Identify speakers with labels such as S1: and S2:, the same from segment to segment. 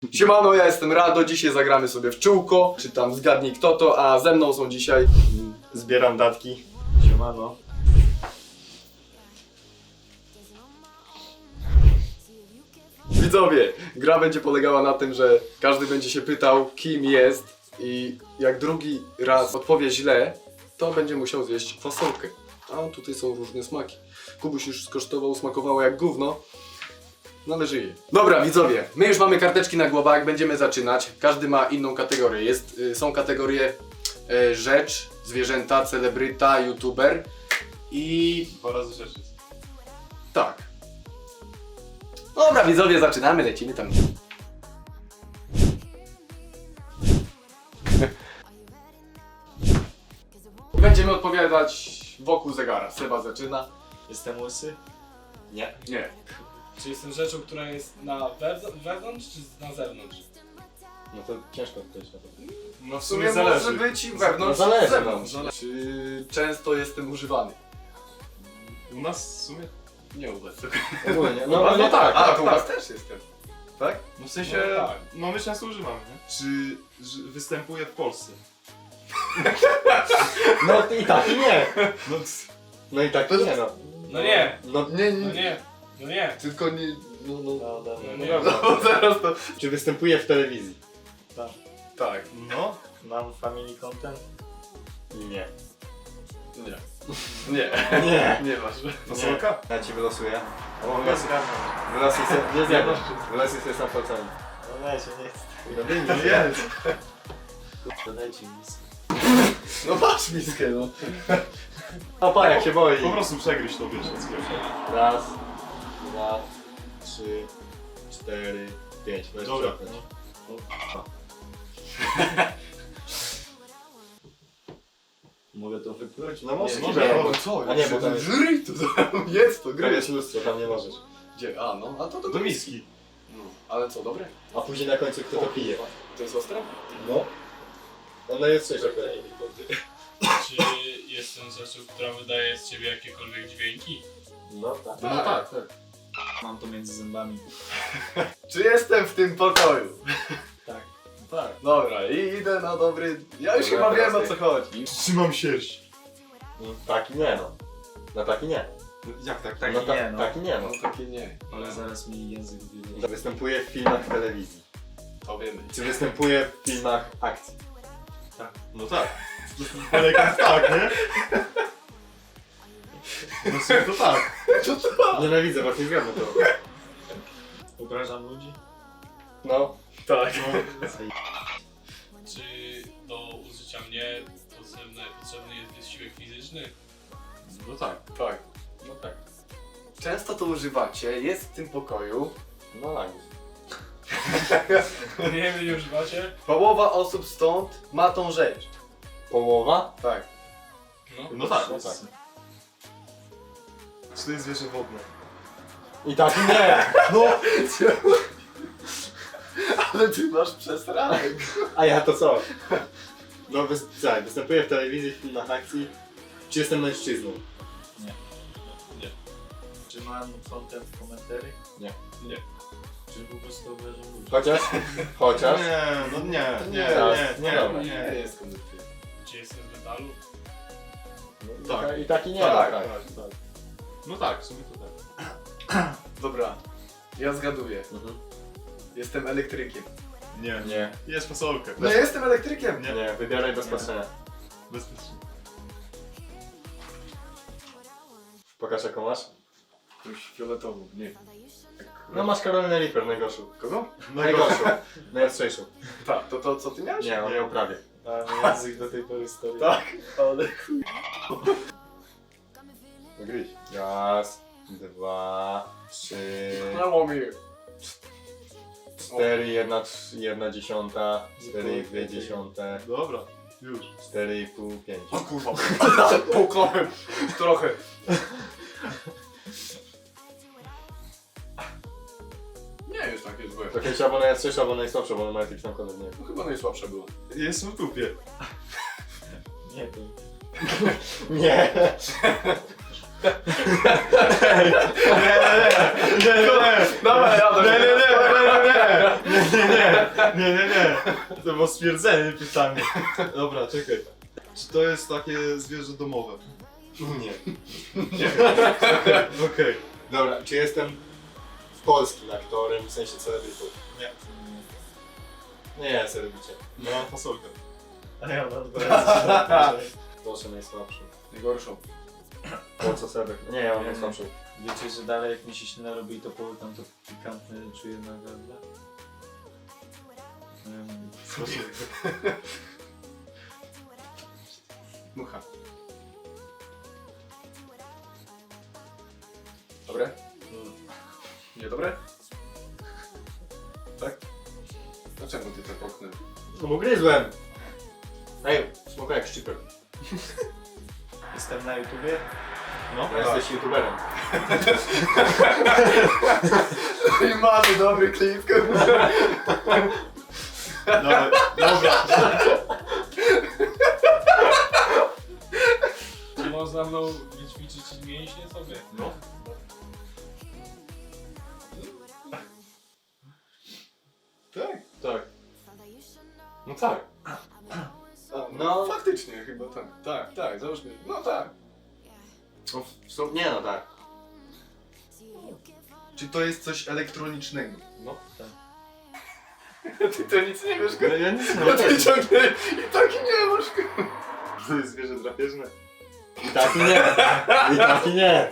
S1: Siemano, ja jestem Rado, dzisiaj zagramy sobie w czółko, czy tam zgadnij kto to, a ze mną są dzisiaj...
S2: Zbieram datki. Siemano.
S1: Widzowie, gra będzie polegała na tym, że każdy będzie się pytał, kim jest i jak drugi raz odpowie źle, to będzie musiał zjeść fasolkę. A tutaj są różne smaki. Kubuś już skosztował, smakowało jak gówno. No ale żyje. Dobra widzowie, my już mamy karteczki na głowach, będziemy zaczynać. Każdy ma inną kategorię. Są kategorie rzecz, zwierzęta, celebryta, youtuber i...
S2: 2 razy rzeczy.
S1: tak. Dobra widzowie, zaczynamy, lecimy tam. Będziemy odpowiadać wokół zegara. Seba zaczyna.
S3: Jestem łysy?
S2: Nie.
S1: Nie.
S3: Czy jestem rzeczą, która jest na wewnątrz czy na zewnątrz?
S2: No to ciężko odpowiedzieć na to.
S3: No
S1: W sumie może być i wewnątrz,
S2: No zależy,
S1: i zewnątrz.
S2: no.
S1: Czy często jestem używany?
S2: U nas w sumie?
S1: Nie u was.
S2: Ogólnie.
S1: No tak, a
S2: tak,
S1: to u was też jestem. Tak?
S2: No w sensie,
S3: No tak.
S2: no my często używamy, nie? Czy występuje w Polsce?
S4: No i tak i nie.
S2: No,
S4: No i tak i nie no.
S3: No nie,
S4: No
S1: Nie,
S3: no nie, no nie.
S1: Tylko nie... No,
S4: no dobra.
S3: No nie.
S1: no bo zaraz to...
S4: Czy występuje w telewizji?
S1: Tak.
S2: no.
S3: Mam family content?
S4: Nie.
S1: Nie. Nie.
S4: Nie.
S1: Nie masz.
S2: Fasolka?
S4: Ja ci wylosuję.
S2: O, ja zgadzam.
S4: Wylosuj sobie, nie zjadłeś. Wylosuj sobie sam palcami.
S3: No dajcie, nie chcę.
S4: No wyjmij
S2: No
S4: sobie.
S2: jest.
S3: To dajcie mi miskę.
S1: No masz miskę, no.
S4: Opa, jak się boi.
S2: Po prostu przegryź to, wiesz, od sklepu.
S4: Raz, 2, 3, 4, 5. No
S2: Dobra.
S4: jeszcze przełknąć.
S3: Mogę to wypluć?
S4: No możesz
S2: Nie,
S4: nie,
S2: nie,
S4: bo...
S1: bo co?
S4: A nie, bo tam jest...
S1: Żryj to, jest to,
S4: Tam
S1: gry.
S4: jest lustro, tam nie możesz.
S1: Gdzie? A no, a to
S2: Do miski.
S1: No, ale co, dobre?
S4: A później na końcu kto to pije.
S1: To jest ostre?
S4: No. Ona jest coś takiego.
S5: Czy jestem rzeczą, która wydaje z ciebie jakiekolwiek dźwięki?
S4: No tak.
S1: No tak, tak.
S3: Mam to między zębami.
S1: Czy jestem w tym pokoju?
S3: Tak.
S1: Tak. Dobra, i idę na dobry... Ja już
S4: Dobra,
S1: chyba wiem
S4: teraz
S1: o co chodzi.
S2: Trzymam sierść.
S4: No, tak i nie no. No tak i nie.
S2: Jak tak?
S3: Tak
S4: no,
S3: i nie, no.
S4: Tak i nie no.
S1: No takie nie.
S3: Ale zaraz mi język wyjdzie.
S4: Występuje w filmach telewizji.
S1: To wiemy.
S4: Czy występuje w filmach akcji?
S2: No tak. Ale jak tak, nie? No w sumie to tak.
S4: Nienawidzę, właśnie zgadnę to.
S3: Obrażam ludzi?
S4: No.
S1: Tak.
S5: Czy do użycia mnie potrzebny jest wysiłek fizyczny?
S2: No tak.
S1: Tak.
S4: No tak.
S1: Często to używacie, jest w tym pokoju.
S4: No tak.
S5: Nie wiem, nie używacie?
S1: Połowa osób stąd ma tą rzecz.
S4: Połowa?
S1: Tak.
S2: No tak.
S4: No tak.
S2: Czy to jest zwierzę wodne?
S4: I tak i nie!
S1: No! Ale ty masz przesranek.
S4: A ja to co? No tak, występuję w telewizji, w filmach akcji. Czy jestem mężczyzną?
S3: Czy mam content w komentarzy?
S4: Nie.
S1: Nie.
S3: Czy po prostu obrażam ludzi?
S4: Chociaż? Chociaż?
S2: Nie, no nie,
S1: To
S2: nie,
S1: nie,
S2: nie,
S4: no dobra.
S2: nie,
S1: Nie
S2: nie.
S1: jest kondycja.
S5: Czy jestem z metalu?
S2: Tak.
S4: I tak i nie.
S1: Tak,
S4: no,
S1: tak.
S2: No tak, w sumie to tak.
S1: Dobra. Ja zgaduję.
S4: Mhm.
S1: Jestem elektrykiem.
S2: Nie.
S4: Nie.
S2: Jest fasolkę.
S1: No ja jestem elektrykiem.
S2: Nie.
S4: Nie, wybieraj bez patrzenia.
S2: Bezpiecznie.
S4: Pokaż jaką masz.
S1: Jakąś fioletową. Nie.
S4: No masz Karolinę Reaper, najgorszą.
S1: Kogo?
S4: Najgorszą. Najostrzejszą.
S1: Tak, to co ty miałeś?
S4: Nie, on ją prawie.
S3: A język do tej pory stoi.
S1: Tak, ale chuj.
S4: Gryź. Raz, 2, 3,
S1: Mało mi.
S4: 4, 1 dziesiąta, 4, 2 dziesiąte,
S2: Dobra, już.
S4: 4,5, 5.
S1: O kurwa. Połknąłem. Trochę. Nie jest takie złe.
S4: To kiedyś albo najostrzejsza, albo najsłabsza, bo ona ma jakiś tam kolor, nie wiem.
S1: No chyba najsłabsza była.
S2: Jestem w dupie.
S3: Nie wiem.
S4: Nie.
S1: Dawaj,
S2: Nie. To było stwierdzenie pytanie. Dobra, czekaj. Czy to jest takie zwierzę domowe?
S4: Nie.
S2: Okej.
S4: Dobra, czy jestem polskim aktorem, w sensie celebrytą?
S2: Nie.
S4: Nie, celebrycie.
S2: No, mam fasolkę.
S4: A ja mam Proszę, najsłabszy.
S1: Najgorszą.
S4: Po co sebek? Nie, ja mam najsłabszą.
S6: Wiecie, że dalej jak mi się źle robi, to tam to pikantne czuję na gardle?
S1: Mucha. Dobre? Nie dobre? Tak? Dlaczego ty to poknął?
S4: No bo gryzłem! Ej, smoka jak szczypek.
S6: Jestem na YouTubie?
S2: No,
S4: Ja jesteś youtuberem.
S1: I mamy dobry klip.
S2: Dobra.
S5: Czy można mną wyćwiczyć mięśnie sobie?
S2: No.
S1: Tak?
S2: Tak.
S1: No tak.
S4: No.
S1: Faktycznie chyba tak. Tak, załóżmy. No tak.
S4: No, nie no tak.
S1: Czy to jest coś elektronicznego?
S2: No.
S1: Ty to nic nie wiesz,
S2: Ja nic nie
S1: No ty ciągle i tak nie masz.
S2: To jest zwierzę drapieżne.
S4: I tak i nie. I tak i nie.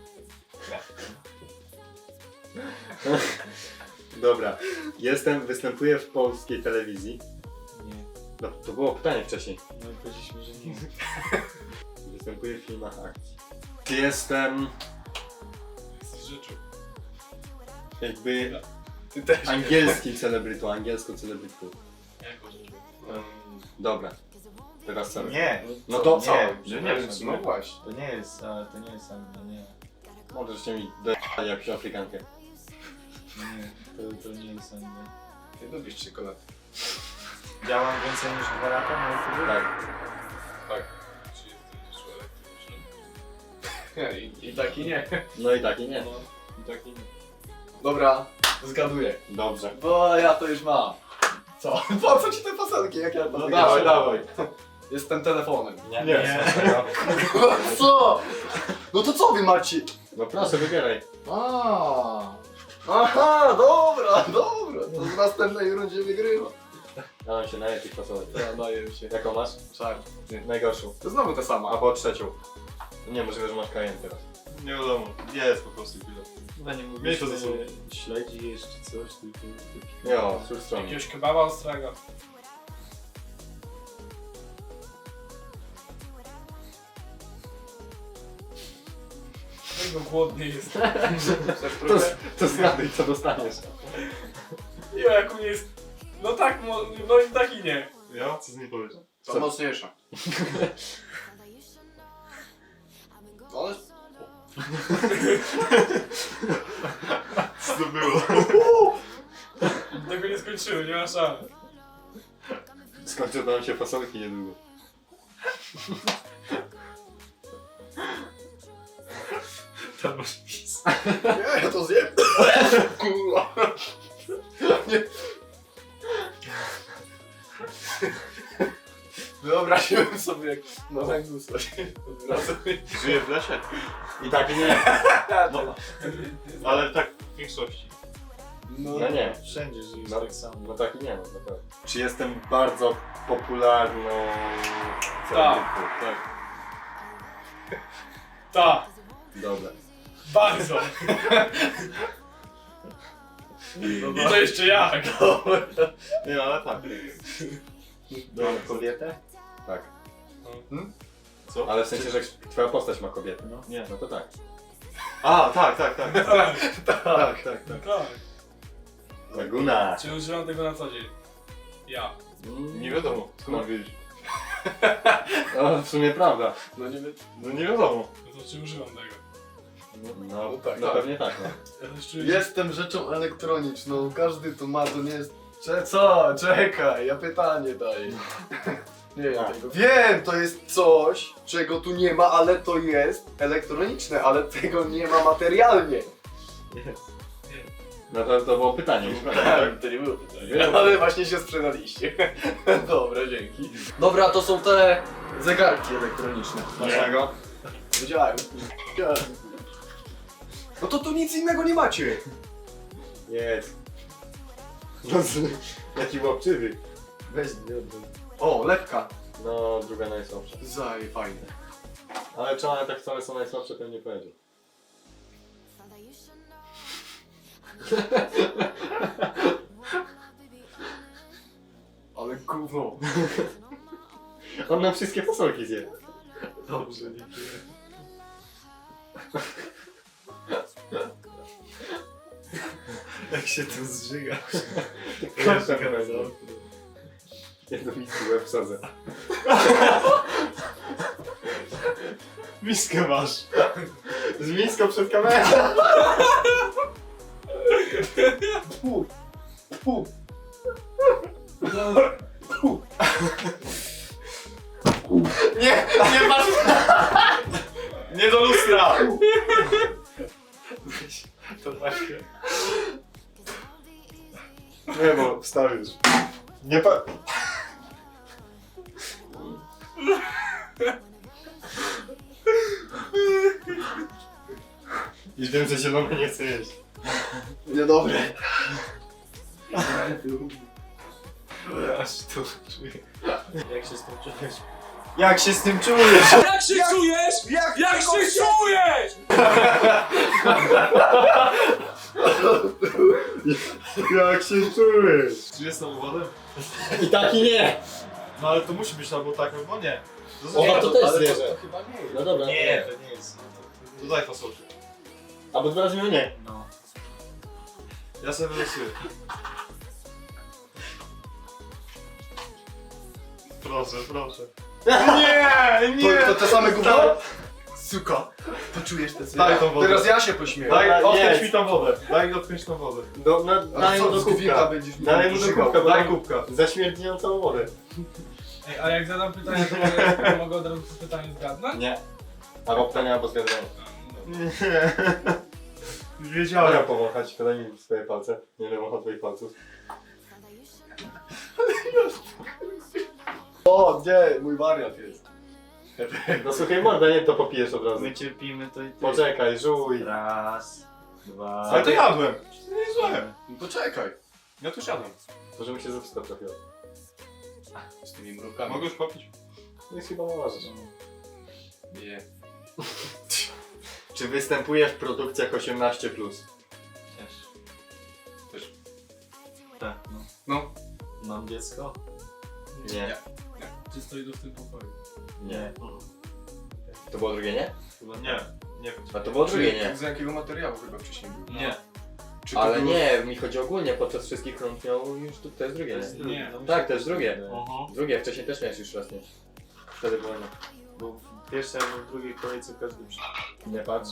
S4: Dobra. Występuję w polskiej telewizji.
S6: Nie.
S4: No, to było pytanie wcześniej.
S6: No i powiedzieliśmy, że nie.
S4: Występuję w filmach akcji. Czy jestem
S5: Jesteś rzeczą.
S4: jakby
S1: Ty też.
S4: angielskim celebrytą, angielską celebrytą?
S5: Jako rzeczą.
S4: Dobra. Teraz co?
S6: Nie!
S4: No to
S6: co?
S1: Nie,
S2: Nie,
S1: no właśnie.
S6: To nie jest, to nie jest Anglia, nie.
S4: Możecie mi dać jakąś Afrykankę.
S6: Nie, to nie jest Anglia.
S1: Ty lubisz czekoladę.
S6: Działam więcej niż 2 lata na YouTubie?
S4: Tak.
S5: Czy jesteś rzeczą elektroniczną?
S1: I tak i nie.
S4: No i tak i nie.
S2: No, i tak i nie.
S1: Dobra, zgaduję.
S4: Dobrze.
S1: Bo ja to już mam. Co? Po co ci te fasolki, jak ja to
S4: No
S1: wygrałem?
S4: dawaj.
S1: Jestem telefonem.
S4: Nie.
S1: Co? No to co wy macie?
S4: No proszę, wybieraj.
S1: Aha, dobra. To w następnej rundzie wygrywa.
S4: Dałem się na tych fasolek.
S1: Ja daję się.
S4: Jaką masz?
S1: Czarny.
S4: Najgorszą.
S1: To znowu ta sama.
S4: Albo trzecią. Nie, możliwe, że masz kajen teraz.
S2: Nie wiadomo. Jest po prostu chwilę.
S6: Chyba nie
S2: Miej
S6: mówisz,
S2: to ze sobą.
S6: śledzi jeszcze coś, tylko...
S4: Jo, cóż strony.
S5: Jakiegoś kebaba ostrego. Tego głodny jest.
S1: Chcesz próbę?
S4: To zgaduj, co dostaniesz.
S5: Jo, jak u mnie jest... No tak, no i tak i nie.
S2: Ja? Co z niej powiesz?
S1: To mocniejsza. Ale...
S2: Co to było?
S5: Tego nie skończyłem, nie ma szans.
S4: Skończą nam się fasolki niedługo.
S6: To masz pis.
S1: Nie, ja to zjem. Kurwa. Nie. Wyobraziłem sobie, jak na węglu stoi. Od razu.
S2: Żyje w lesie?
S4: I tak i nie.
S2: No. Ale tak w większości.
S4: No nie.
S6: Wszędzie żyjesz
S4: No.
S6: tak samo.
S4: No tak i nie, no naprawdę. Czy jestem bardzo popularną celebrytą?
S2: Tak.
S5: Tak,
S4: Dobra.
S5: bardzo. I to jeszcze jak.
S2: Nie, ale tak.
S4: Dobra,
S6: Kobietę?
S4: tak.
S2: Co?
S4: Ale w sensie, że twoja postać ma kobietę.
S6: No.
S2: Nie.
S4: No to tak.
S2: A, tak.
S5: Tak,
S2: Tak.
S5: tak.
S4: Laguna.
S5: Czy używam tego na co dzień? Ja.
S2: Nie wiadomo. Skąd mam wiedzieć?
S4: O, w sumie prawda.
S1: No nie wiem.
S2: No nie wiadomo.
S5: No to czy używam tego?
S4: No,
S1: tak,
S4: no
S1: tak.
S4: pewnie tak. No.
S5: Ja też czuję,
S1: Jestem rzeczą elektroniczną, każdy to ma, to nie jest... Co? Czekaj, ja pytanie daję. Nie wiem
S4: Tak.
S1: tego. Wiem, to jest coś, czego tu nie ma, ale to jest elektroniczne, ale tego nie ma materialnie.
S4: No to było pytanie.
S1: Tak, to nie było pytanie. Ale właśnie się sprzedaliście. Dobra, dzięki. Dobra, to są te zegarki elektroniczne.
S4: Dlaczego?
S1: Wiedziałem. No to tu nic innego nie macie.
S4: Jest. No, jaki łapczywy.
S1: Weź, o, lekka.
S4: No, druga najsłabsza.
S1: Zaj, fajne.
S4: Ale czy one tak wcale są najsłabsze, to nie powiedział.
S1: Ale gówno.
S4: On nam wszystkie fasolki zje.
S1: Dobrze, nie
S2: Jak się tu zżyga.
S4: Koszem będą. Jedno miski łeb wsadzę.
S2: Miskę masz.
S4: Z miską przed kamerą.
S1: Pu. Pu.
S4: Nie, nie masz.
S2: Nie do lustra!
S1: To właśnie.
S2: Nie, bo wstawisz. Nie pa...
S4: Już wiem, że zielony nie chce jeść.
S1: Niedobre.
S2: Aż to czuję.
S6: Jak się z tym czujesz?
S2: Jak się z tym czujesz?
S3: Jak się czujesz? Jak się czujesz?
S4: Jak się czujesz?
S2: Czy jest tam wodę?
S4: I tak i nie.
S2: No ale to musi być albo tak, albo nie.
S4: O, to też
S1: Ale
S4: zwierzę.
S1: to chyba nie jest.
S4: No dobra.
S2: Nie, to nie jest. To daj fasolkę.
S4: Albo dwa razy nie.
S6: No.
S2: Ja sobie wylosuję. Proszę, proszę. Nie,
S1: To te same gówno? Suka. To czujesz te
S2: Daj tą wodę.
S1: Teraz ja się pośmieję.
S2: Daj,
S4: Dobra,
S2: odkręć
S4: jest.
S2: mi tą wodę. Daj odkręć tą wodę.
S4: Dalej mu do kubka.
S1: będziesz mi
S4: Dalej mu do
S1: żygał.
S4: kubka, bo
S2: Daj
S4: daj
S2: kubka.
S4: za śmierdziejącą wodę.
S3: Ej, a jak zadam pytanie, to mogę od razu to pytanie zgadnąć?
S4: Nie. Albo pytanie, albo zgadzanie.
S2: Nie. Już
S4: Mogę
S2: wiedziałem.
S4: powąchać, podaj mi swoje palce. Nie wiem, o twoich palców.
S1: O, nie, mój wariat jest.
S4: No słuchaj morda, nie to popijesz od razu.
S6: My cierpimy to i ty.
S4: Poczekaj, żuj.
S6: Raz, dwa.
S2: Ale to jadłem. To nie jest złe.
S1: Poczekaj.
S2: Ja tu siadam.
S4: Może mi się zepsuta trafiła.
S1: Z tymi mrukami.
S2: Mogę już popić?
S4: No i chyba możesz.
S1: Nie.
S4: Czy występuje w produkcjach 18+.
S6: Też. Tak, no.
S1: No.
S6: Mam dziecko?
S4: Nie.
S3: Czy stoi to w tym pokoju?
S4: Nie. To było drugie nie?
S6: Chyba
S2: Nie. Nie wiem.
S4: A to było drugie nie.
S1: Z jakiego materiału chyba wcześniej był?
S2: Nie.
S1: Czy to
S4: Ale
S1: było-
S4: nie, mi chodzi ogólnie, podczas wszystkich rund miał już to jest drugie nie?
S3: Nie.
S4: Tak, to jest drugie.
S2: Aha.
S4: Drugie, wcześniej też miałeś już raz nie. Wtedy było nie.
S6: Bo w pierwszej albo w drugiej kolejce każdy przyszedł.
S4: Nie patrz.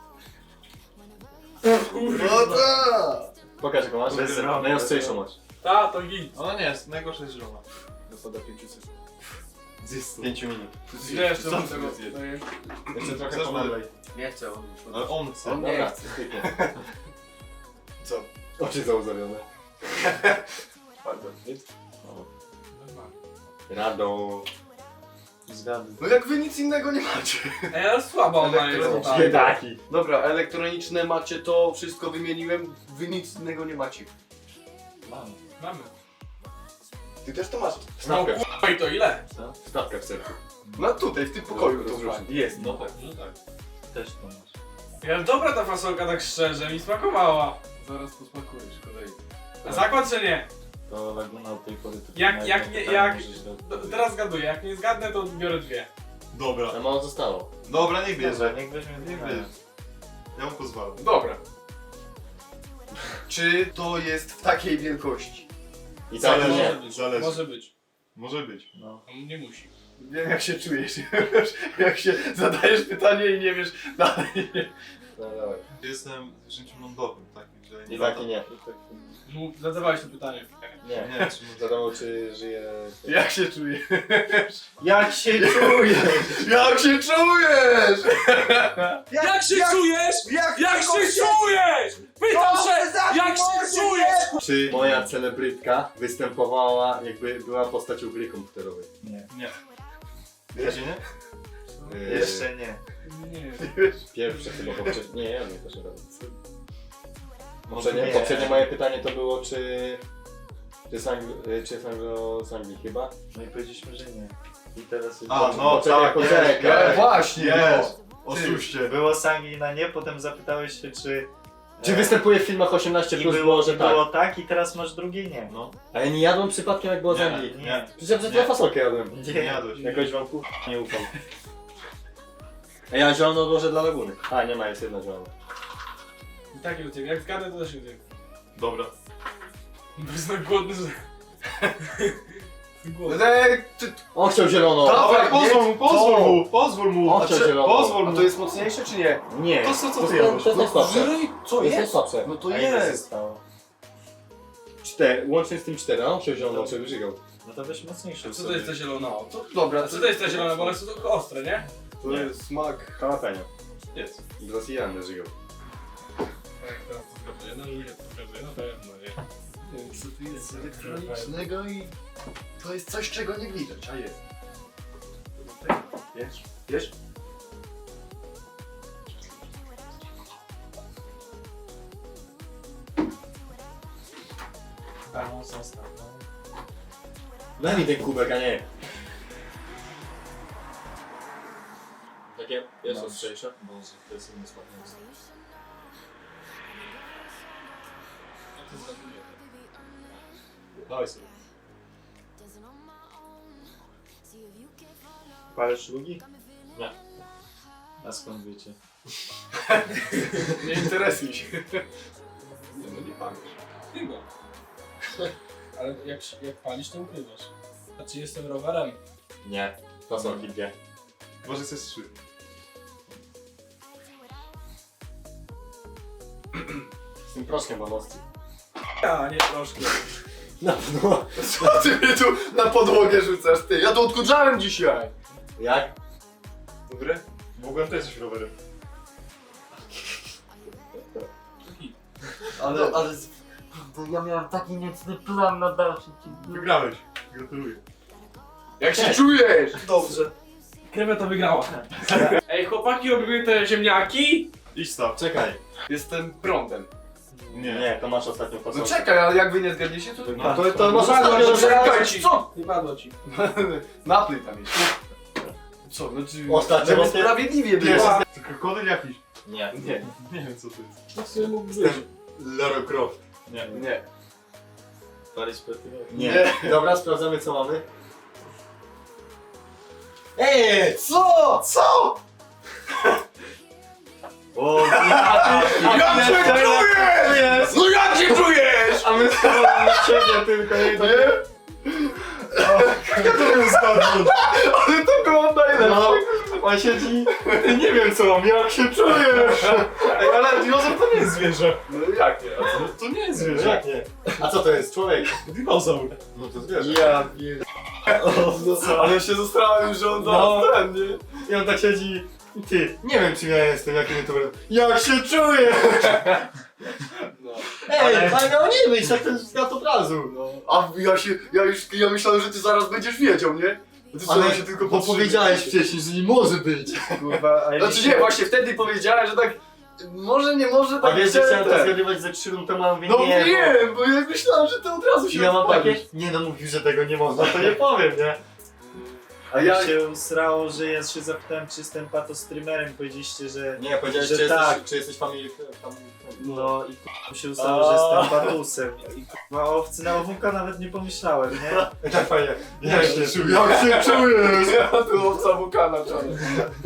S1: No tak!
S4: Pokaż jaką masz.
S6: Bez rąk,
S4: Najostrzejszą
S6: bez
S4: masz.
S3: Ta, to git.
S2: Ona nie jest, najgorsza jest zielona.
S1: Dopada 5 sekund.
S2: Z 5 minut.
S3: Wiesz,
S1: Co
S3: co
S1: ty
S3: tego
S1: zjedz?
S4: Jeszcze trochę
S2: Chcesz
S4: pomagaj.
S1: Nie chcę on już.
S2: Ale on chce.
S1: On nie
S4: Dobra,
S1: chce.
S4: styknie.
S1: Co?
S4: Oczy zauzawione.
S1: Bardzo.
S4: Rado.
S6: Zgadnij.
S1: No jak wy nic innego nie macie.
S3: Ej, ale słaba ona jest.
S1: Elektroniczne.
S4: Biedaki.
S1: Dobra, elektroniczne macie to, wszystko wymieniłem, wy nic innego nie macie.
S6: Mam.
S3: Mamy.
S1: Ty też to masz.
S3: No
S4: Stawkę.
S3: kurwa i to ile?
S4: Stawkę w sercu.
S1: No tutaj, w tym pokoju to
S4: Rozrusznik.
S1: fajnie.
S4: Jest.
S3: No tak, no tak.
S6: Też to masz.
S3: Ja dobra ta fasolka tak szczerze, mi smakowała.
S1: Zaraz posmakujesz kolej.
S3: Zakład czy nie?
S6: To Laguna od tej pory to
S3: Jak-
S6: na
S3: jak
S6: jedno
S3: nie-
S6: pytanie
S3: jak-
S6: możesz dać
S3: To
S6: odpowiedź.
S3: teraz zgaduję, jak nie zgadnę to biorę dwie.
S2: Dobra.
S4: Za mało zostało.
S2: Dobra, niech
S6: Dobra,
S2: bierze.
S6: niech weźmie
S2: Niech
S6: dwa.
S2: bierze. Ja mu pozwalam.
S1: Dobra. Czy to jest w takiej wielkości?
S4: I tak
S2: Zależy.
S4: nie.
S3: Może być.
S2: Zależy.
S3: Może być.
S2: Może być.
S6: No.
S3: On nie musi.
S1: Wiem jak się czujesz, jak się zadajesz pytanie i nie wiesz dalej.
S4: No dawaj.
S2: Jestem zwierzęciem lądowym, takim, Czyli
S4: Izaki nie.
S3: No, zadawałeś to pytanie.
S4: Nie.
S2: Nie, czy
S4: Wiadomo, czy żyje...
S1: Jak się czujesz?
S4: Jak się czujesz?
S1: Jak się czujesz?
S3: Jak się czujesz? Jak się czujesz? Pytam się, jak się czujesz?
S4: Czy moja celebrytka występowała, jakby była postacią gry komputerowej?
S6: Nie.
S2: Wiecie, nie?
S6: Jeszcze nie.
S3: Nie.
S4: Pierwsze chyba poprzednie. Nie, ja nie też raz.
S6: Może nie.
S4: Poprzednie moje pytanie to było, czy jest z Anglii chyba?
S6: No i powiedzieliśmy, że nie. I teraz jest...
S2: A, no tak,
S1: Ja, właśnie,
S2: jest.
S1: no.
S2: Oszuście.
S6: Było z Anglii na nie, potem zapytałeś się, czy...
S4: Czy występuje w filmach 18+,
S6: I
S4: było, że tak.
S6: było tak i teraz masz drugie nie.
S2: No.
S4: A ja nie jadłem przypadkiem jak było z
S2: Nie.
S4: Anglii.
S6: Nie.
S4: Przecież ja przed chwilą fasolkę jadłem.
S2: Nie jadłeś.
S4: Jakoś wam nie ufam. A ja zielono odłożę dla Laguny. A, nie ma, jest jedna zielona.
S3: I tak nie uciekł. Jak zgadę, to też nie uciekł.
S2: Dobra.
S3: Bo jest tak głodny, że... Głodny.
S4: On chciał zielono!
S1: Dawaj,
S2: Pozwól mu.
S4: On chciał zielono.
S2: Pozwól
S1: A
S2: mu.
S1: to jest mocniejsze czy nie?
S4: Nie.
S2: To co ty
S4: jest-
S2: jadłeś?
S4: To jest najsłabsze.
S1: Żryj, co
S4: To jest
S1: jest?
S4: najsłabsze.
S1: No to
S6: A ile
S1: jest.
S6: zostało?
S4: 4, łącznie z tym 4, a on chciał zielono, czy wyżygał.
S6: No to weź mocniejsze.
S3: Co to jest ta zielona?
S1: To dobra,
S3: A co to jest ta zielona? Bo one są tylko ostre, nie?
S1: To jest smak.
S4: Jalapeno.
S2: Jest.
S4: Brasilian żygał.
S3: Tak, teraz to zgaduję. No lubię to zgaduję, na pewno, nie?
S1: Nie wiem co tu jest elektronicznego i to jest coś czego nie widać, a jest. Wiesz? Wiesz?
S6: No, zostaw, no.
S4: Daj mi ten kubek, a nie. Takie jest
S6: No.
S4: ostrzejsze.
S6: Boże, to jest inny smak.
S3: Ja to zgaduję.
S2: Dawaj sobie.
S6: Palisz lugi?
S4: Nie.
S6: A skąd wiecie?
S1: Nie interesuj się. Nie no nie pamięć.
S3: Chyba. Ale jak palisz, to ukrywasz. A czy jestem rowerem?
S4: Nie. Fasolki dwie.
S2: Może jest 3.
S4: Z tym proszkiem bamowskim.
S3: Ja, nie troszkę.
S4: Na pewno.
S1: Co ty mnie tu na podłogę rzucasz ty? Ja to odkurzałem dzisiaj.
S4: Jak?
S1: Dobre?
S2: Mogłem też być rowerem.
S1: Ale
S6: Ja miałem taki niecny plan na dalszy
S2: Wygrałeś. Gratuluję.
S1: jak się czujesz?
S3: Dobrze. Kreweta wygrała. Ej, chłopaki, robimy te ziemniaki?
S2: Idź staw.
S4: Czekaj.
S1: Jestem prądem.
S4: Nie, to masz ostatnią
S1: No
S4: fasolkę.
S1: czekaj, ale jak wy nie zgadniecie, to...
S4: No to masz
S1: No
S4: ostatnią
S1: czekaj ci! Co?
S3: Nie padło ci.
S1: Napój tam jest. Co, no czy...
S4: Ostatnio
S1: żeby
S4: ostatnio-
S1: sprawiedliwie było.
S2: To krokodyl jakiś.
S4: Nie.
S1: Nie,
S2: Nie wiem co to jest.
S3: To sobie mógł być.
S4: Lara Croft.
S2: Nie.
S1: nie.
S6: Palić petyło?
S4: Nie. Dobra, sprawdzamy co mamy. Co? Co? O,
S1: Jak się czujesz? No jak się czujesz?
S4: A my schowamy na ciebie tylko jedno.
S1: Nie?
S2: To był zgadnąć.
S1: Ale to było najlepsze.
S4: No, on siedzi, nie wiem co mam, jak się czujesz?
S2: Ej, ale dinozaur to nie jest zwierzę.
S1: No jak nie? A co?
S2: No, to nie jest
S4: No
S2: zwierzę.
S4: jak nie? A co to jest? Człowiek?
S2: Dinozaur.
S4: No to zwierzę.
S1: Ja pierd... Ale się zestrałem, że on
S4: No.
S1: zaraz ten, nie?
S4: I on tak siedzi i ty, nie wiem czym ja jestem, jakim to będę. Jak się czujesz?
S1: No.
S4: Ej, ale miał nie wyjść, jak ten świat od razu.
S1: No. A ja myślałem, że ty zaraz będziesz wiedział, nie? Ty
S4: Ale
S1: sobie się tylko
S4: bo
S1: powstrzymać.
S4: powiedziałeś wcześniej, że nie może być.
S6: Kurwa, a
S1: Znaczy nie, właśnie wtedy powiedziałem, że tak... Może, nie może,
S4: A
S1: tak
S4: wiesz, że chciałem to
S1: ten.
S4: zgadywać ze 3 rund temu, a mówię
S1: No
S4: nie.
S1: wiem, bo ja myślałem, że ty od razu
S4: I
S1: się
S4: ja mam
S1: odpalisz.
S4: takie, nie no mówił, że tego nie można, to nie powiem, nie?
S1: A ja...
S6: się usrało, że ja się zapytałem, czy jestem patostreamerem. Powiedzieliście, że...
S4: Nie, powiedziałeś,
S6: Że
S4: czy,
S6: tak.
S4: jesteś, czy jesteś family...
S6: No i k***a się ustało, że jestem patusem. I k***a o owcy na owunka nawet nie pomyślałem, nie?
S4: Tak fajnie.
S2: Jak się czujesz?
S4: Jak się czujesz?
S1: Ja tu owca wulkana czarna.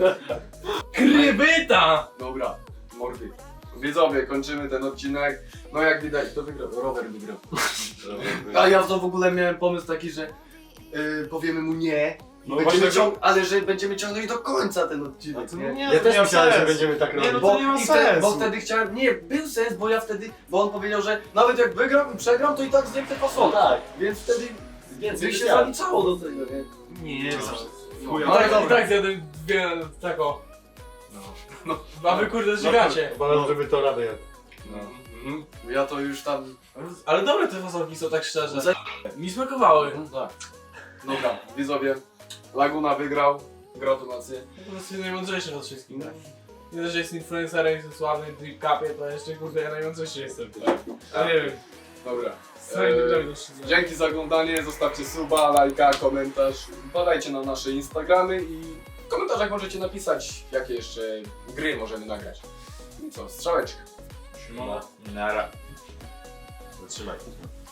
S3: Krybyta!
S1: Dobra, mordy. Widzowie, kończymy ten odcinek. No jak widać, to wygrał. Rower wygrał. A ja to w ogóle miałem pomysł taki, że powiemy mu nie Ale że będziemy ciągnąć do końca ten odcinek.
S4: Ja też myślałem, że będziemy tak robić.
S2: no to nie ma sensu.
S1: Bo wtedy chciałem, nie, był sens, bo ja wtedy, bo on powiedział, że nawet jak wygram i przegram, to i tak zjem te fasolki.
S4: Tak.
S1: Więc wtedy
S4: Więcej
S1: by się
S4: wiedziałem.
S1: zaliczało do tego, nie?
S6: Nie,
S2: Chuja.
S1: No, ale
S5: I
S1: dobra.
S5: tak zjadłem dwie tako. No. A wy kurde żygacie.
S4: Uważam, żeby to radę jadł.
S1: Mhm. Ja to już tam...
S5: Ale dobre te fasolki są, tak szczerze. Mi smakowały.
S1: Tak. Dobra, widzowie, Laguna wygrał. Gratulacje.
S5: Po prostu najmądrzejszy od wszystkich, tak? Nie dość, że jest influencerem, jestem sławny w Drip Cupie, to jeszcze kurde ja najmądrzejszy jestem. Ja nie wiem.
S1: Dobra.
S5: Swoim dobrym
S1: Dzięki za oglądanie, zostawcie suba, lajka, komentarz. Wpadajcie na nasze Instagramy i w komentarzach możecie napisać, jakie jeszcze gry możemy nagrać. I co, strzałeczka.
S5: Szymona.
S6: Nara.
S4: Zatrzymaj.